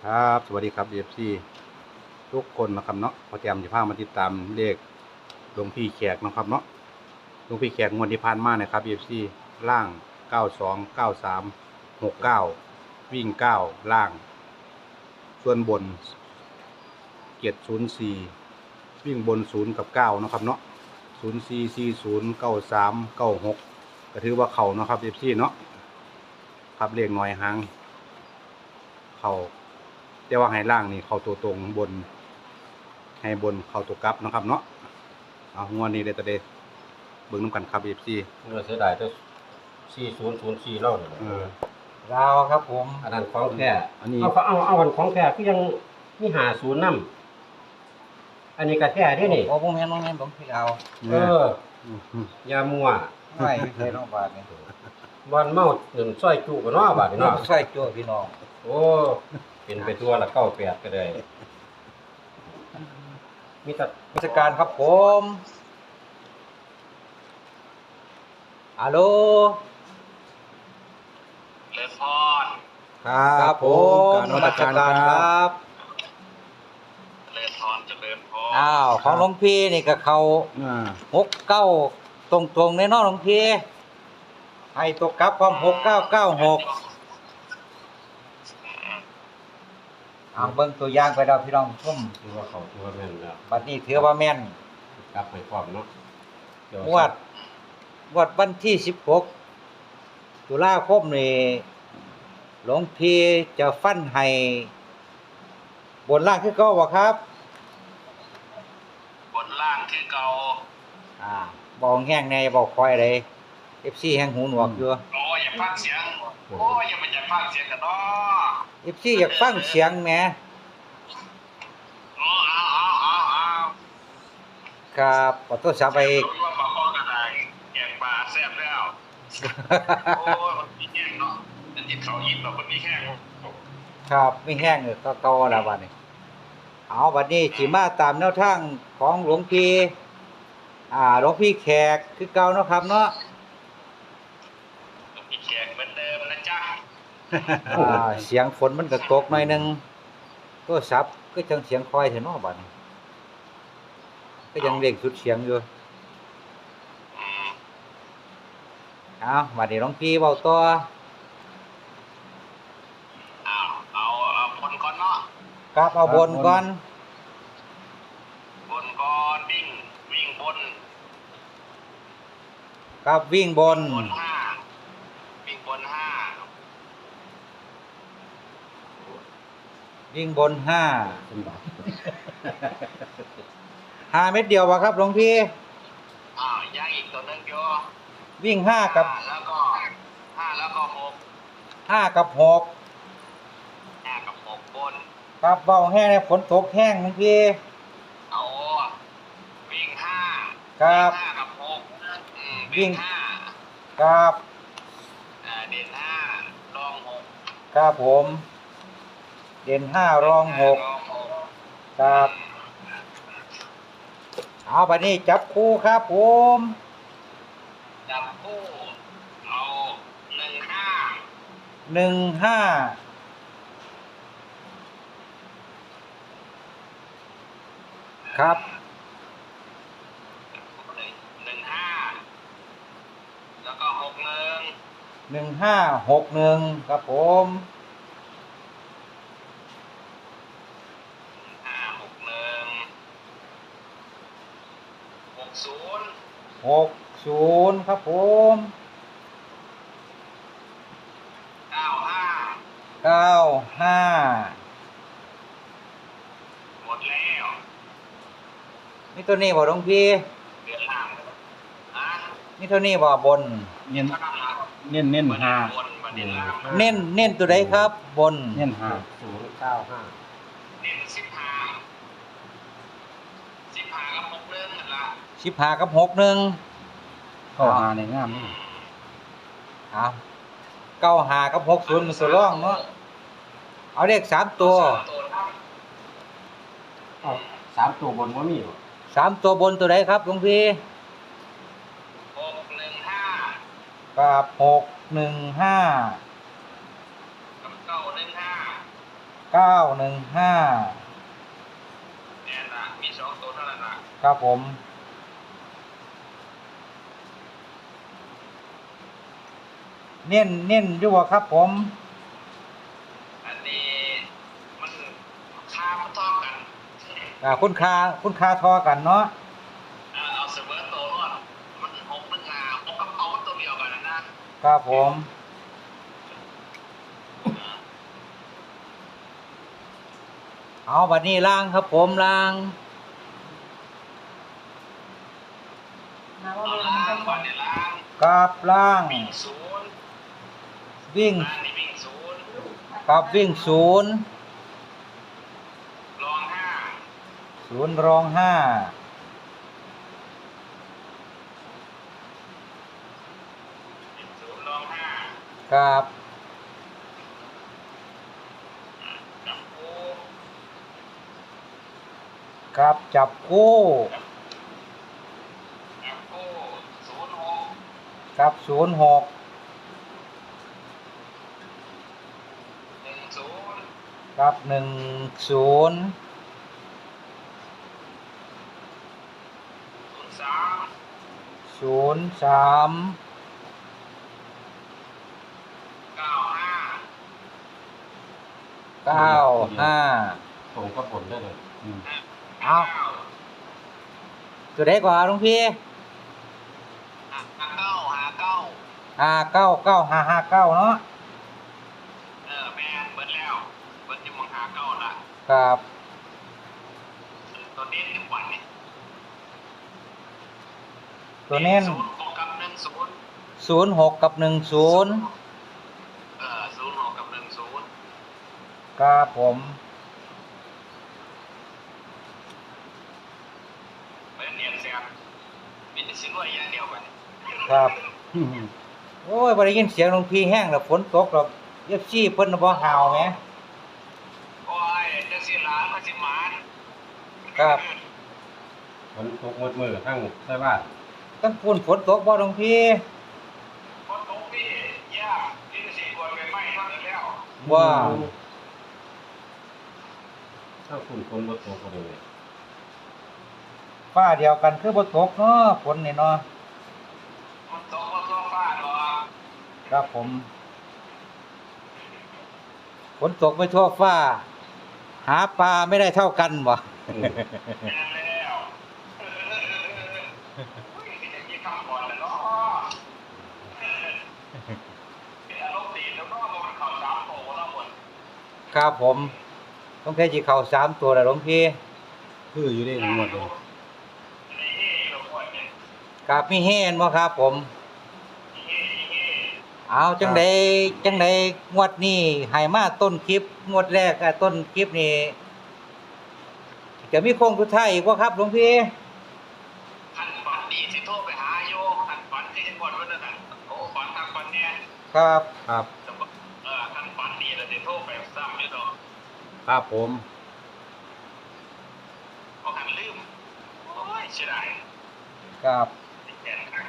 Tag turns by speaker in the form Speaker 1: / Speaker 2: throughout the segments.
Speaker 1: ครับสวัสดีครับ FC ทุกคนนะครับเนาะพอแจมจะพามาติดตามเลขหลวงพี่แขกนะครับเนาะหลวงพี่แขกงวดที่ผ่านมานะครับ FC ล่าง92 93 69วิ่ง9ล่างส่วนบน704วิ่งบน0กับ9นะครับเนาะ04 40 93 96ก็ถือว่าเขานะครับ FC เนาะครับเลขน้อยหางเขาแต่ว่าให้ล่างนี่เข้าตัวตรงบนให้บนเข้าตัวกลับนะครับเนาะเอางวดนี้ได้แต่เดเบิ่งน้ำกันครับ FC
Speaker 2: เมื่อเสียดายแต่4004เล่าเนี่ย
Speaker 3: ลาวครับผม
Speaker 2: อันนั้นของแท้
Speaker 1: อันนี้
Speaker 2: เอาอันของแท้คือยังมี50นำอันนี้ก็แท้เด้นี่
Speaker 3: โอ้ผมเห็นผมพี่ลาว
Speaker 2: เอออย่ามั่ว
Speaker 3: ไม่เคยน้องบาทนี่
Speaker 2: บ่อนเมาหนึ่งซอยจุก็เนาะบาดนี้เนาะ
Speaker 3: ใส่จั่วพี่น้อง
Speaker 2: โอ้เป็นไปตัวละ98ก็ได้มีแต่
Speaker 3: ราชการครับผมฮัลโหล
Speaker 4: เลพร
Speaker 1: ครับผมการนมัสการครับ
Speaker 4: เลพรเจริญพร
Speaker 3: อ้าวของหลวงพี่นี่ก็เขา69ตรงๆในเนาะหลวงพี่ให้ตัวกลับความ6996เอาเบิ่งตัวอย่างไปแล้วพี่น้องชม
Speaker 2: ถือว่าเขาถือว่าแม่นแล้ว
Speaker 3: บัดนี้ถือว่าแม่น
Speaker 2: กลับไปพร้อมเนาะเดี๋ยว
Speaker 3: งวดวันที่16ตุลาคมนี่หลวงพี่จะฟันให้บนล่างคือเก่าบ่ครับ
Speaker 4: บนล่างคือเก่า
Speaker 3: บอกแห้งในบอกคอยเลย FC แห้งหูหนวกอยู่
Speaker 4: โอ้ยอย่าฟังเสียงโอ้ยอย่าไปอย่าฟังเสียงกันเนาะ
Speaker 3: FC อยากฟังเสียงแหม
Speaker 4: โอ้เอา
Speaker 3: ครับขอโทษสาไป
Speaker 4: รู้ว่าปลาข้อกระไดแกงปลาแซ่บแล้วโอ้ยมันมีแห้งเนาะอันที่เขายิ้มเรามันมีแห้ง
Speaker 3: ครับไม่แห้งเลยก็เก่าแล้วบัดนี้เอาบัดนี้สิมาตามแนวทางของหลวงพี่หลวงพี่แขกคือเก่าเนาะครับเนาะ
Speaker 4: มีแขกเหมือนเดิมนะจ๊ะ
Speaker 3: เสียงฝนมันก็ตกหน่อยหนึงโทรศัพท์ก็จังเสียงคอยเถอะเนาะบัดนี้ก็ยังเร่งสุดเสียงอยู่
Speaker 4: อืม
Speaker 3: เอาบัดนี้หลวงพี่เว้าต่อ
Speaker 4: เอาบนก่อนเนาะ
Speaker 3: ครับเอาบนก่อน
Speaker 4: บนก่อนวิ่งบน
Speaker 3: ครับวิ่งบน
Speaker 4: บนห้าวิ่งบนห้า
Speaker 3: วิ่งบน5 5 เม็ดเดียววะครับหลวงพี่
Speaker 4: ย่างอีกตัวหนึงโย
Speaker 3: วิ่ง5กับ
Speaker 4: แล้วก็หก
Speaker 3: 5กับ6
Speaker 4: ห้ากับหกบน
Speaker 3: ครับเบาแห้งเนี่ยฝนตกแห้งหลวงพี่
Speaker 4: เอาวิ่งห้า
Speaker 3: ครับ
Speaker 4: ห้ากับหก
Speaker 3: วิ่ง
Speaker 4: วิ่งห้า
Speaker 3: ครับ
Speaker 4: เด่นห้าลองหก
Speaker 3: ครับผม เด่น5รอง
Speaker 4: ลองหก
Speaker 3: 6ครับเอาไปนี่จับคู่ครับผม
Speaker 4: จับคู่เอา15
Speaker 3: 15ครับ
Speaker 4: 15แล้วก็61
Speaker 3: 1561ครับผม60ครับผม95
Speaker 4: หมดแล้ว
Speaker 3: นี่ตัวนี้บ่หลวงพี่
Speaker 4: เดือนหลังนะ
Speaker 3: นี่ตัวนี้บ่บน
Speaker 1: เน้นเน้นห้า
Speaker 4: บนมาเดือนหลัง
Speaker 3: เน้นตัวใดครับ บน
Speaker 1: เน้นห้า
Speaker 2: 095
Speaker 4: เน้น15กับ6เรื่องนั่นละ
Speaker 3: 15กับ61
Speaker 1: เข้าหาในงามนี่
Speaker 3: เอา95กับ60มันตัวรองเนาะเอาเลข3ตัว
Speaker 2: เอ้า3ตัวบนบ่มีบ่
Speaker 3: 3ตัวบนตัวใดครับหลวงพี่
Speaker 4: 615
Speaker 3: กับ615
Speaker 4: กับ915 เนี่ยนะมีสองตัวเท่านั้นนะ
Speaker 3: ครับผมเน้นอยู่บ่ครับผม
Speaker 4: อันนี้มันค่ามันเท่ากัน
Speaker 3: คุณค่าทอกันเนาะ
Speaker 4: เอาเสมอตัวรอดมันหกมันหาหกกับเอาตัวเดียวกันนะครับ
Speaker 3: ผม เอาบัดนี้ล่างครับผมล่าง
Speaker 4: เอาล่างก่อนเนี่ยล่าง
Speaker 3: กับล่าง
Speaker 4: วิ่งศูนย์
Speaker 3: วิ่ง
Speaker 4: ล่างนี่วิ่งศูนย์
Speaker 3: กับวิ่งศูนย์
Speaker 4: รองห้า
Speaker 3: ศูนย์รองห้า
Speaker 4: ศูนย์รองห้า
Speaker 3: กับ
Speaker 4: จับกู
Speaker 3: กับจับคู่
Speaker 4: จับกูศูนย์หก
Speaker 3: กับ06
Speaker 4: หนึ่งศูนย์
Speaker 3: กับ10
Speaker 4: ศูนย์สาม
Speaker 3: 03
Speaker 4: เก้าห้า
Speaker 3: 95
Speaker 2: ผมก็ผลได้เลย
Speaker 3: เอา ตัวใดกว่าหลวงพี่
Speaker 4: หาเก้า
Speaker 3: 599559เนาะ
Speaker 4: แม่เบิดแล้วเบิดอยู่มองหาเก้าละ
Speaker 3: ครับ
Speaker 4: ตัวนี้ทุกวันนี่
Speaker 3: ตัวเน้น
Speaker 4: ศูนย์หกกับหนึ่งศูนย์
Speaker 3: 06 กับ 10
Speaker 4: ศูนย์หกกับหนึ่งศูนย์
Speaker 3: ครับผม
Speaker 4: เป็นเนียนเสียบมีแต่ชิ้นรวยอย่างเดียวกัน
Speaker 3: ครับ โอ้ยบ่ได้ยินเสียงหลวงพี่แห้งแล้วฝนตกแล้ว FC เพิ่นน่ะบ่ห่าวแหม
Speaker 4: โอ้ยจังสิหลานมาสิหมาน
Speaker 3: ครับ
Speaker 2: มันตกมือทั้งใช่บ้าน
Speaker 3: ตั้งฝุ่นฝนตกบ่หลวงพี่
Speaker 4: คนตกพี่ยากที่สิกวนไปไหม้เท่านั้นแล้ว
Speaker 3: ว่า
Speaker 2: ถ้าคุณคนรถตกก็เลย
Speaker 3: ฟ้าเดียวกันคือบ่ตกเนาะฝนนี่เนาะ
Speaker 4: มันตกมาทั่วฟ้าหรอก
Speaker 3: ครับผม ฝนตกไม่ทั่วฟ้า หาปลาไม่ได้เท่ากันบ่
Speaker 4: แม่นแล้วอุ้ยอย่างนี้คำก่อนแล้วเนาะอารมณ์ดีแล้วก็มันข่าวสามโตแล้วหมด
Speaker 3: ครับผม ต้องแค่สิเข้า3ตัวแล้วหลวงพี่
Speaker 1: คืออยู่ได้หมดเลย
Speaker 4: นี่เราควรเนี่ย
Speaker 3: ครับมีเฮนบ่ครับผม เอาจังใดงวดนี้ให้มาต้นคลิปงวดแรกต้นคลิปนี่จะมีโค้งสุดท้ายอีกบ่ครับหลวงพี่
Speaker 4: ขันฝันดีสิโทรไปหาโยขันฝันที่ก่อนวันนั้นโอ้ฝันทางฝันเนี่ย
Speaker 3: ครับ
Speaker 1: ครับ
Speaker 4: ขันฝันดีแล้วสิโทรไปซ้ำอยู่ดอก
Speaker 1: ครับผม
Speaker 4: เพราะขันลืมโอ้ยเสียดาย
Speaker 3: ครับ
Speaker 4: แก่ครั้ง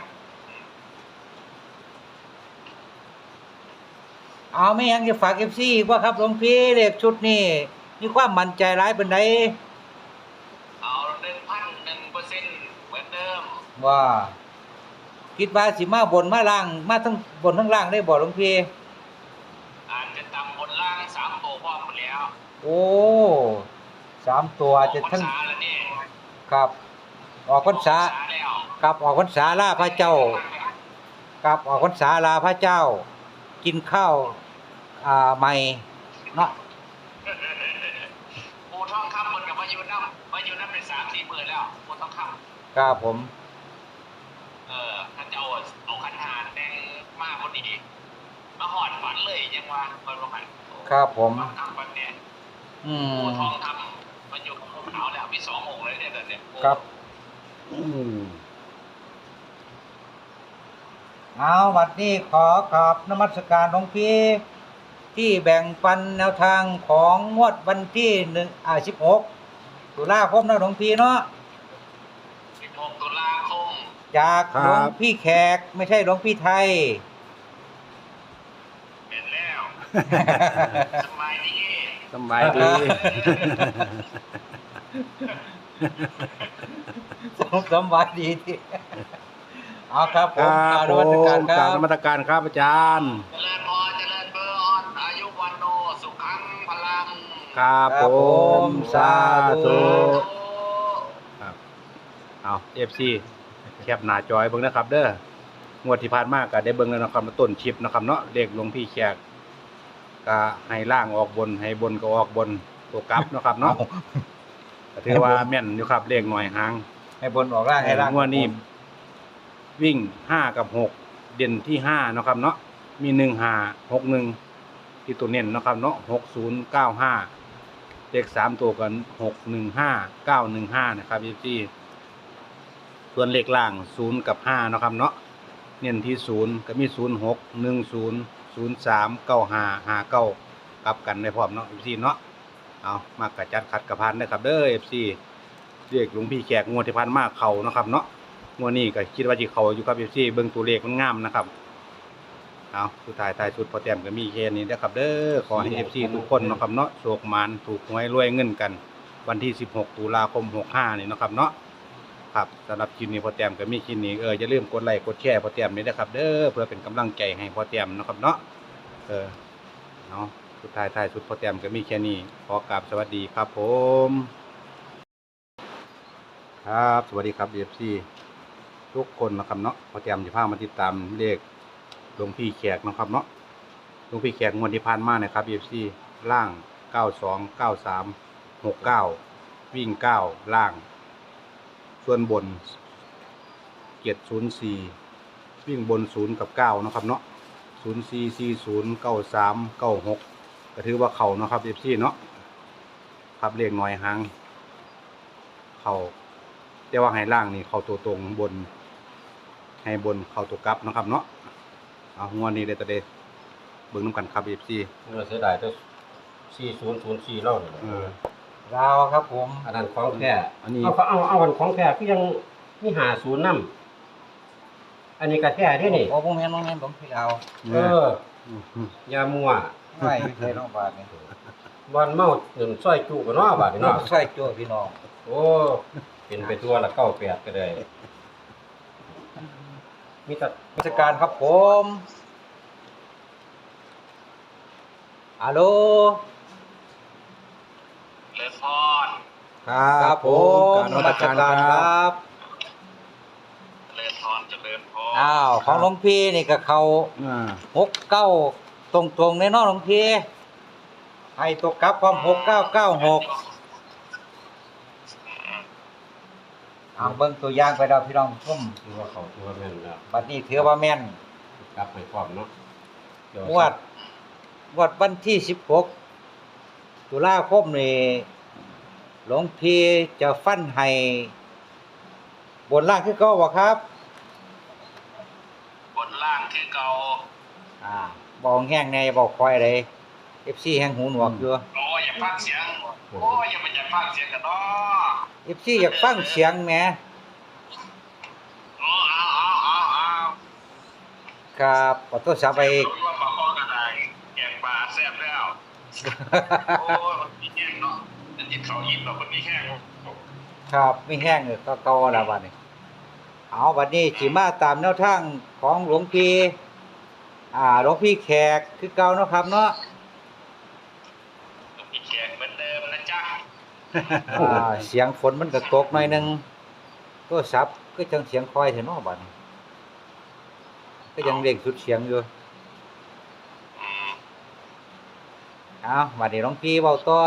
Speaker 3: เอาไม่ยังจะฝาก FC อีกบ่ครับหลวงพี่เลขชุดนี้มีความมั่นใจหลายปานใด
Speaker 4: เอา1,001%เหมือนเดิม
Speaker 3: ว่า คิดว่าสิมาบนมาล่างมาทั้งบนทั้งล่างได้บ่หลวงพี่
Speaker 4: อาจจะตำบนล่าง3โตพร้อมหมดแล้ว
Speaker 3: โอ้3ตัวจะทั้ง
Speaker 4: ออกพรรษาแล้วนี่
Speaker 3: ครับ ออกพรรษา
Speaker 4: แล้ว
Speaker 3: กับออกพรรษาลาพระเจ้ากับออกพรรษาลาพระเจ้า กินข้าวใหม่เนาะ
Speaker 4: ปูทองคำมันกับมาอยู่น้ำเป็น3-4 มื้อแล้วปูทองคำ
Speaker 3: ครับผม
Speaker 4: ท่านจะเอาขันหาแต่งมากพอดีมาหอดฝันเลยยังว่าเปิดโรงงาน
Speaker 3: ครับผม
Speaker 4: ทำฝันเนี่ย
Speaker 3: อื
Speaker 4: ปู
Speaker 3: ม
Speaker 4: ทองทำมันอยู่กับภูเขาแล้วมี2 องค์เลยเนี่ยเดี๋ยวเนี่ย
Speaker 3: ครับ
Speaker 1: อืม
Speaker 3: เอาวันนี้ขอกราบนมัสการหลวงพี่ที่แบ่งปันแนวทางของงวดวันที่16ตุลาคมนะหลวงพี่เนาะ
Speaker 4: 16 ตุลาคม
Speaker 3: จากหลวงพี่แขกไม่ใช่หลวงพี่ไทย
Speaker 4: เป็นแล้ว สมัยนี้
Speaker 1: สำบายดี
Speaker 3: สำบายดีที่เอาครับผ
Speaker 1: ค
Speaker 3: ม
Speaker 1: รับ
Speaker 3: กรารนมัสการค
Speaker 1: กรา
Speaker 3: รั
Speaker 1: บบ นมัสการครับอาจารย์
Speaker 4: เจริญพรเจริญเบอร์อายุวันโนสุขังพลัง
Speaker 1: ครับ
Speaker 3: ครับ
Speaker 1: ผ
Speaker 3: ผม ม
Speaker 1: สา
Speaker 3: สาธุ
Speaker 1: ธุครับเอาFC แคปหน้าจอยเบิ่งนะครับ เด้องวดที่ผ่านมาก็ได้เบิ่งแล้วนะครับต้นคลิปนะครับเนาะเลขหลวงพี่แขกก็ให้ล่างออกบนให้บนก็ออกบนตัวกลับนะครับเนาะก็ถือว่าแม่นอยู่ครับเลขหน่อยหาง
Speaker 3: ให้บนออกร่างให้ร่าง
Speaker 1: งวดนี้วิ่ง5กับ6เด่นที่5เนาะครับเนาะมี15 61ที่ตัวเน้นเนาะครับเนาะ6095เลข3ตัวกัน615 915นะครับพี่ส่วนเลขล่าง0กับ5เนาะครับเนาะเน้นที่0ก็มี06 10 03 95 59กลับกันได้พร้อมเนาะพี่เนาะเอามากระจัดขัดกระพานนะครับเด้อ FC เรียกหลวงพี่แขกงวดที่ผ่านมาเข้าเนาะครับเนาะงวดนี้ก็คิดว่าสิเข้าอยู่ครับ FC เบิ่งตัวเลขมันงามนะครับเอาสุดท้ายสุดพอแต้มก็มีแค่นี้นะครับเด้อขอให้ FC ทุกคนเนาะครับเนาะโชคหมานถูกหวยรวยเงินกัน วันที่16ตุลาคม65นี่เนาะครับเนาะครับสำหรับคลิปนี้พอแต้มก็มีคลิปนี้อย่าลืมกดไลค์กดแชร์พอแต้มนี่นะครับเด้อเพื่อเป็นกำลังใจให้พอแต้มเนาะครับเนาะเนาะสุดท้ายสุดพอแต้มก็มีแค่นี้ขอกราบสวัสดีครับผมครับสวัสดีครับ FC ทุกคนนะครับเนาะพอแต้มจะพามาติดตามเลขหลวงพี่แขกนะครับเนาะหลวงพี่แขกงวดที่ผ่านมานะครับ FC ล่าง92 93 69วิ่ง9ล่างส่วนบน704วิ่งบน0กับ9นะครับเนาะ04 40 93 96ก็ถือว่าเข้าเนาะครับ FC เนาะครับเลขน้อยหางเข้าแต่ว่าให้ล่างนี่เข้าตัวตรงบนให้บนเข้าตัวกลับเนาะครับเนาะเอางวดนี้ได้แต่เด้เบิ่งนำกันครับ FC
Speaker 2: เสียดายแต่4004เล่านี่แหละ
Speaker 3: ลาวครับผม
Speaker 2: อันนั้นของแท้
Speaker 1: อันนี้
Speaker 2: เอาอันของแท้คือยังมี50นำอันนี้ก็แท้เด้นี่
Speaker 3: โอ้ผมเห็นผมพี่ลาว
Speaker 2: เอออย่ามั่ว
Speaker 3: ไม่ใช่น้องบาทนี่
Speaker 2: บ่อนเมาเงินซอยจุก็เนาะบาดนี้เนาะ
Speaker 3: ใช่จ้วพี่น้อง
Speaker 2: โอ้เป็นไปตัวละ98ก็ได้มีแต่
Speaker 3: ราชการครับผมฮัลโหล
Speaker 4: เจริญพร
Speaker 3: ครับผมนมัสการครับ
Speaker 4: เจริญพรเจริญพร
Speaker 3: อ้าวของหลวงพี่นี่ก็เขา 69ตรงๆในเนาะหลวงพี่ให้ตัวกลับความ6996เอาเบิ่งตัวอย่างไปแล้วพี่น้องชม
Speaker 2: คือว่าเขาตัวแม่นแล้ว
Speaker 3: บัดนี้ถือว่าแม่น
Speaker 2: กลับไปพร้อมเนาะเดี๋ยว
Speaker 3: งวดวันที่16ตุลาคมนี่หลวงพี่จะฟันให้บนล่างคือเก่าบ่ครับ
Speaker 4: บนล่างคือเก่า
Speaker 3: บอกแห้งในบอกคอยเลย FC แห้งหูหนวกอยู่
Speaker 4: โอ้ยอย่าฟังเสียงโอ้ยอย่าไปอย่าฟังเสียงกันเนาะ
Speaker 3: FC อยากฟังเสียงแหม
Speaker 4: อ๋อเอา
Speaker 3: ครับขอโทษสาไป
Speaker 4: รู้ว่าปลาคอกระไดแกงปลาแซ่บแล้ว โอ้ยมันมีแห้งเนาะจะจิตเขายิ้มเราคนมีแห้ง
Speaker 3: ครับไม่แห้งเลยก็เก่าแล้วบัดนี้เอาบัดนี้สิมาตามแนวทางของหลวงพี่หลวงพี่แขกคือเก่าเนาะครับเนาะ
Speaker 4: มีแขกเหมือนเดิมนะจ๊ะ
Speaker 3: เสียงฝนมันก็ตกหน่อยหนึงโทรศัพท์ก็จังเสียงคอยเถอะเนาะบัดนี้ก็ยังเร่งสุดเสียงอยู่
Speaker 4: อืม
Speaker 3: เอาบัดนี้หลวงพี่เว้าต่อ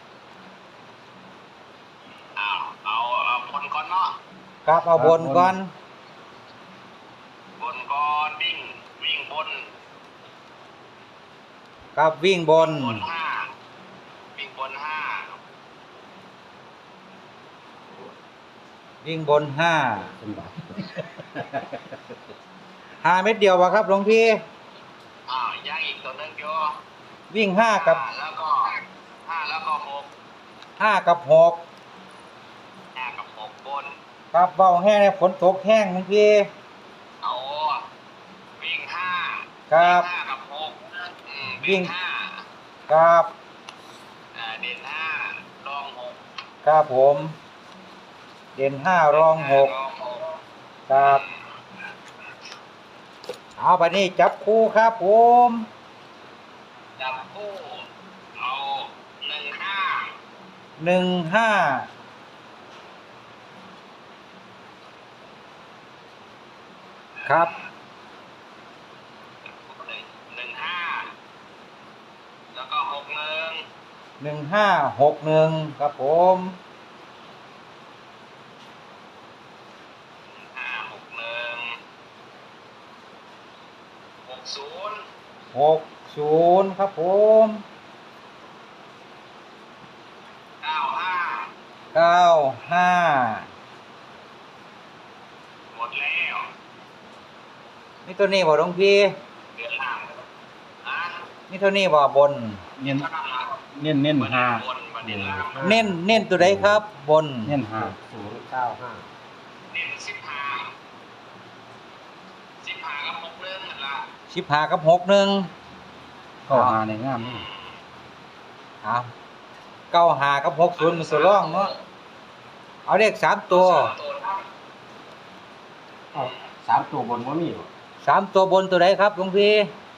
Speaker 4: เอาบนก่อนเนาะ
Speaker 3: ครับเอาบนก่อน
Speaker 4: บนก่อนวิ่งบน
Speaker 3: ครับวิ่งบน
Speaker 4: บนห้าวิ่งบนห้า
Speaker 3: วิ่งบน5 5 เม็ดเดียววะครับหลวงพี่
Speaker 4: ย่างอีกตัวนึงโย
Speaker 3: วิ่ง5กับ
Speaker 4: แล้วก็หก
Speaker 3: 5กับ6
Speaker 4: ห้ากับหกบน
Speaker 3: ครับเบาแห้งเนี่ยฝนตกแห้งหลวงพี่
Speaker 4: เอาวิ่งห้า
Speaker 3: ครับ
Speaker 4: ห้ากับหก
Speaker 3: วิ่
Speaker 4: วิ่
Speaker 3: ง
Speaker 4: งห้า
Speaker 3: ครับ
Speaker 4: เ
Speaker 3: ครับผม เด่น5รอง6ครับเอาบัดนี้จับคู่ครับผม
Speaker 4: จับคู่เอา15
Speaker 3: 15ครับ
Speaker 4: 15แล้วก็61
Speaker 3: 1561ครับผม60ครับผม95
Speaker 4: หมดแล้ว
Speaker 3: นี่ตัวนี้บ่หลวงพี่
Speaker 4: เดือนหลังอ่ะ
Speaker 3: นี่ตัวนี้บ่บน
Speaker 1: เน้นเน้นห้า
Speaker 4: บนบันนี้ล่าง
Speaker 3: เน้นตัวใดครับบน
Speaker 1: เน้นห้า
Speaker 2: 095
Speaker 4: เน้น15กับ61นั่นล่ะ
Speaker 3: 15กับ61
Speaker 1: เข้าหาในงามนี่
Speaker 3: เอา95กับ60มันตัวรองเนาะเอาเลข3ตัว
Speaker 2: เอา3ตัวบนบ่มีบ่
Speaker 3: 3ตัวบนตัวใดครับหลวงพี่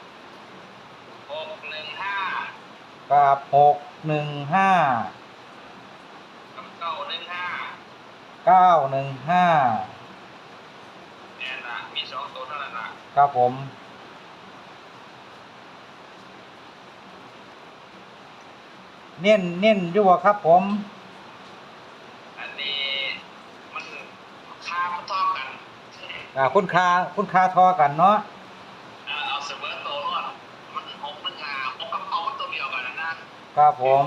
Speaker 4: 615
Speaker 3: กับ615
Speaker 4: กับ915
Speaker 3: 915
Speaker 4: เนี่ยนะมี2ตัวเท่านั้นล่ะ
Speaker 3: ครับผมเน้นอยู่บ่ครับผม
Speaker 4: อันนี้มันค่ามันเท่ากัน
Speaker 3: คุณค่าทอกันเนาะ
Speaker 4: เอาเสมอตัวรอดมัน6มัน6กับเอามันตัวเดียวกันนะ
Speaker 3: ครับผม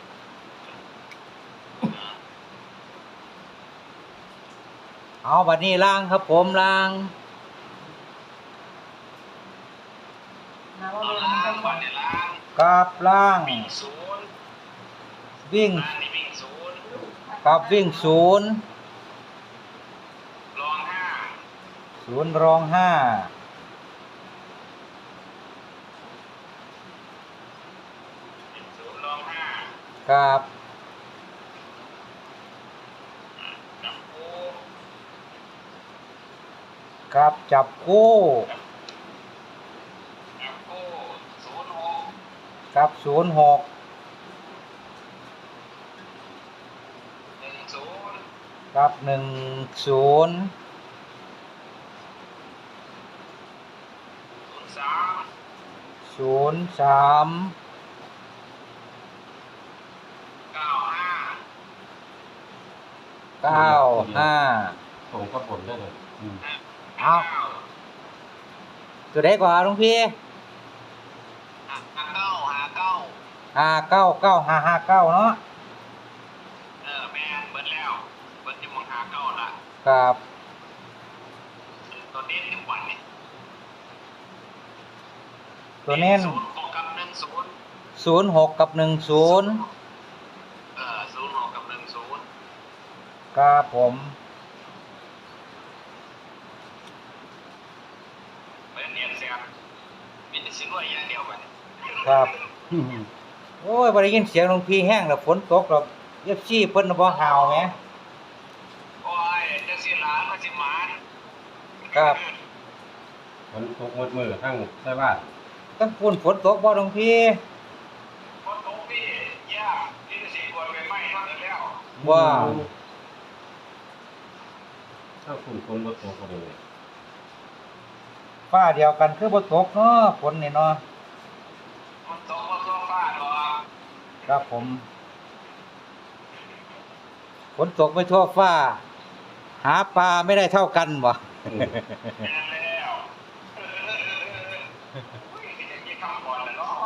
Speaker 3: เอาบัดนี้ล่างครับผมล่าง
Speaker 4: เอาล่างก่อนเนี่ยล่าง
Speaker 3: กับล่าง
Speaker 4: วิ่งศูนย์
Speaker 3: วิ่ง
Speaker 4: ล่างนี่วิ่งศูนย์
Speaker 3: กับวิ่งศูนย์
Speaker 4: รองห้า
Speaker 3: ศูนย์รอง5
Speaker 4: ศูนย์รองห้า
Speaker 3: กับ
Speaker 4: จับคู่
Speaker 3: กับจับคู่
Speaker 4: จับคู่06
Speaker 3: กับ06
Speaker 4: 10
Speaker 3: กับ10
Speaker 4: 03
Speaker 3: 03
Speaker 4: 95
Speaker 3: 95
Speaker 2: ตรงกับบนได้เลย
Speaker 3: เอา ตัวใดกว่าหลวงพี่
Speaker 4: 59
Speaker 3: 599559เนาะ
Speaker 4: แม่เบิดแล้วเบิดอยู่มอง59ละ
Speaker 3: กับ
Speaker 4: ตัวเน้นทุกวันนี่
Speaker 3: ตัวเน้น
Speaker 4: 06กับ10
Speaker 3: 06กับ10
Speaker 4: 06กับ10
Speaker 3: ครับผม
Speaker 4: เป็นเนียนเสียมีแต่สิรวยอย่างเดียวกัน
Speaker 3: ครับ โอ้ยบ่ได้ยินเสียงหลวงพี่แห้งแล้วฝนตกแล้ว FC เพิ่นน่ะบ่ห่าวแหม
Speaker 4: โอ้ยจังสิหลานมันสิหมาน
Speaker 3: ครับ
Speaker 2: ฝนตกหมดมือทั้งใช่บ้าน
Speaker 3: ตั้งฝุ่นฝนตกบ่หลวงพี่
Speaker 4: คนตกนี่ยากที่สิกวนไปไหม้เท่านั้นแล้ว
Speaker 3: ว่า
Speaker 2: ถ้าคุณฝนบ่ตกก็เลย
Speaker 3: ฟ้าเดียวกันคือบ่ตกเนาะฝนนี่เนาะ
Speaker 4: มันตกมาทั่วฟ้าหรอก
Speaker 3: ครับผม ฝนตกไม่ทั่วฟ้า หาปลาไม่ได้เท่ากันบ่
Speaker 4: แม่นแล้วอุ้ยอย่างนี้คำก่อนแล้วเนาะ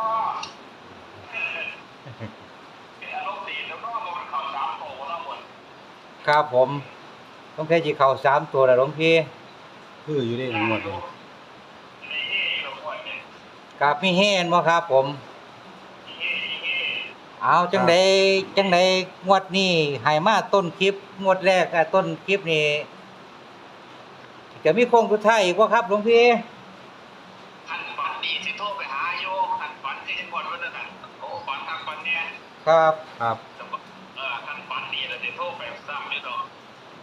Speaker 4: อารมณ์ดีแล้วเนาะมันเข้าสามโตแล้วหมด
Speaker 3: ครับผม ต้องแค่สิเข้า3ตัวแล้วหลวงพี่
Speaker 1: คืออยู่ได้ทั้งหมดเลย
Speaker 4: ในเฮ่เราปล่อยเนี่ย
Speaker 3: ครับมีเฮนบ่ครับผม
Speaker 4: เฮ่
Speaker 3: เอาจังใดงวดนี้ให้มาต้นคลิปงวดแรกต้นคลิปนี่จะมีโค้งสุดท้ายอีกบ่ครับหลวงพี่
Speaker 4: ขันฝันดีสิโทรไปหาโยขันฝันที่ก่อนวันนั้นโอ้ฝันทางฝันเนี่ย
Speaker 3: ครับ
Speaker 1: ครับ
Speaker 4: ขันฝันดีเลย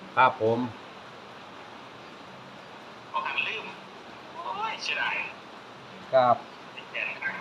Speaker 1: ครับผม
Speaker 4: ก็หันลืมโอ้ยเสียดาย
Speaker 3: ครับ
Speaker 4: แก่ครับ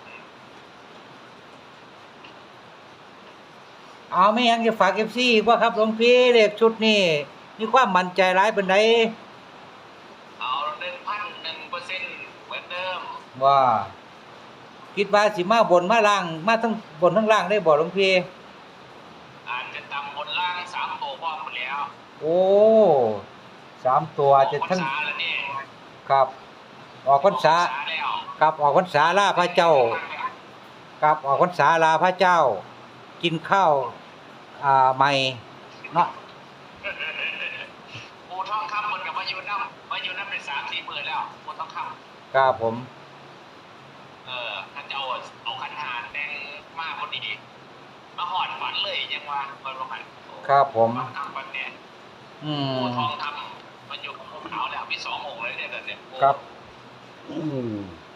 Speaker 3: เอาไม่ยังจะฝาก FC อีกว่าครับหลวงพี่เลขชุดนี้มีความมั่นใจหลายปานใด
Speaker 4: เอา1,001%เหมือนเดิม
Speaker 3: ว่าคิดว่าสิมาบนมาล่างมาทั้งบนทั้งล่างได้บ่หลวงพี่
Speaker 4: อาจจะตำบนล่าง3ตัวพร้อมหมดแล้ว
Speaker 3: โอ้3ตัวจะทั้ง
Speaker 4: ออกพรรษาแล้วนี่
Speaker 3: ครับออกพรรษา
Speaker 4: ออกพรรษาแล้ว
Speaker 3: ครับออกพรรษาลาพระเจ้าครับออกพรรษาลาพระเจ้า กินข้าวใหม่เนาะ
Speaker 4: ปูทองคำมันกับมาอยู่น้ำเป็น3-4 มื้อแล้วปูทองคำ
Speaker 3: ครับผม
Speaker 4: ท่านจะเอาขันหาแต่งมากพอดีมาหอดฝันเลยยังว่าเปิดโรงงาน
Speaker 3: ครับผม
Speaker 4: ทำวันเนี้ย
Speaker 3: อื
Speaker 4: ปู
Speaker 3: ม
Speaker 4: ทองทำมันอยู่กับภูเขาแล้วมี2 องค์เลยเนี่ยเนี่ย
Speaker 3: ครับ
Speaker 1: อืม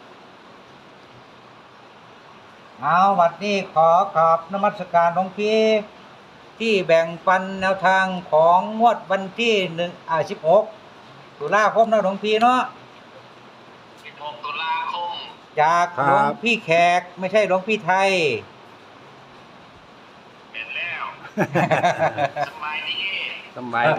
Speaker 3: เอาวันนี้ขอกราบนมัสการหลวงพี่ที่แบ่งปันแนวทางของงวดวันที่16ตุลาคมนะหลวงพี่เนาะ
Speaker 4: 16 ตุลาคม
Speaker 3: จากหลวงพี่แขกไม่ใช่หลวงพี่ไทย
Speaker 4: เป็นแล้วสบายดี
Speaker 1: สบายดี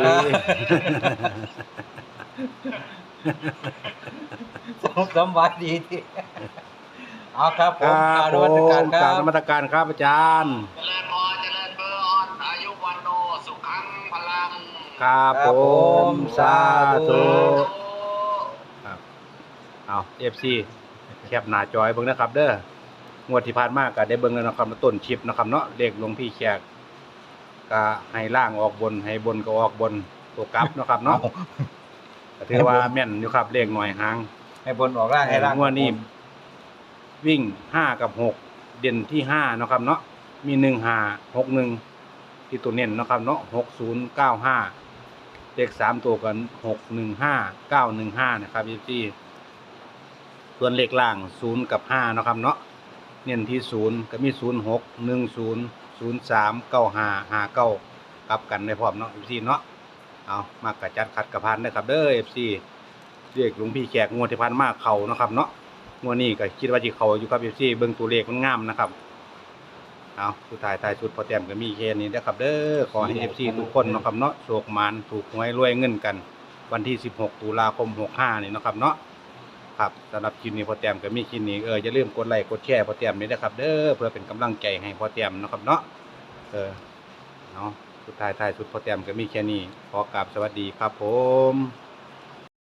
Speaker 3: สบายดีที่เอาครับผ
Speaker 1: ค
Speaker 3: ม
Speaker 1: รับ
Speaker 3: กราบนมัสการค
Speaker 1: กรา
Speaker 3: รั
Speaker 1: บบ นมัสการครับอาจารย์
Speaker 4: เจริญพรเจริญเบอร์ออนอายุวันโนสุขังพลัง
Speaker 1: ครับ
Speaker 3: ครับ
Speaker 1: ผ
Speaker 3: ผม ม
Speaker 1: สาธุ
Speaker 3: สาธุ
Speaker 1: ครับเอาFC แคปหน้าจอยเบิ่งนะครับ เด้องวดที่ผ่านมาก็ได้เบิ่งแล้วนะครับต้นคลิปนะครับเนาะเลขหลวงพี่แขกก็ให้ล่างออกบนให้บนก็ออกบนตัวกลับเนาะครับเนาะก็ถือว่าแม่นอยู่ครับเลขหน่อยหาง
Speaker 3: ให้บนออกล่างให้ล่าง
Speaker 1: งวดนี้วิ่ง5กับ6เด่นที่5เนาะครับเนาะมี15 61ที่ตัวเน้นเนาะครับเนาะ6095เลข3ตัวกัน615 915นะครับพี่ส่วนเลขล่าง0กับ5เนาะครับเนาะเน้นที่0ก็มี06 10 03 95 59กลับกันได้พร้อมเนาะพี่เนาะเอามากระจัดขัดกระพานนะครับเด้อ FC เรียกหลวงพี่แขกงวดที่ผ่านมาเข้าเนาะครับเนาะงวดนี้ก็คิดว่าสิเข้าอยู่ครับ FC เบิ่งตัวเลขมันงามนะครับเอาสุดท้ายท้ายสุดพอแต้มก็มีแค่นี้นะครับเด้อขอให้ FC ทุกคนเนาะครับเนาะโชคหมานถูกหวยรวยเงินกัน วันที่16ตุลาคม65นี่เนาะครับเนาะครับสำหรับคลิปนี้พอแต้มก็มีคลิปนี้อย่าลืมกดไลค์กดแชร์พอแต้มนี่นะครับเด้อเพื่อเป็นกำลังใจให้พอแต้มเนาะครับเนาะเนาะสุดท้ายท้ายสุดพอแต้มก็มีแค่นี้ขอกราบสวัสดีครับผม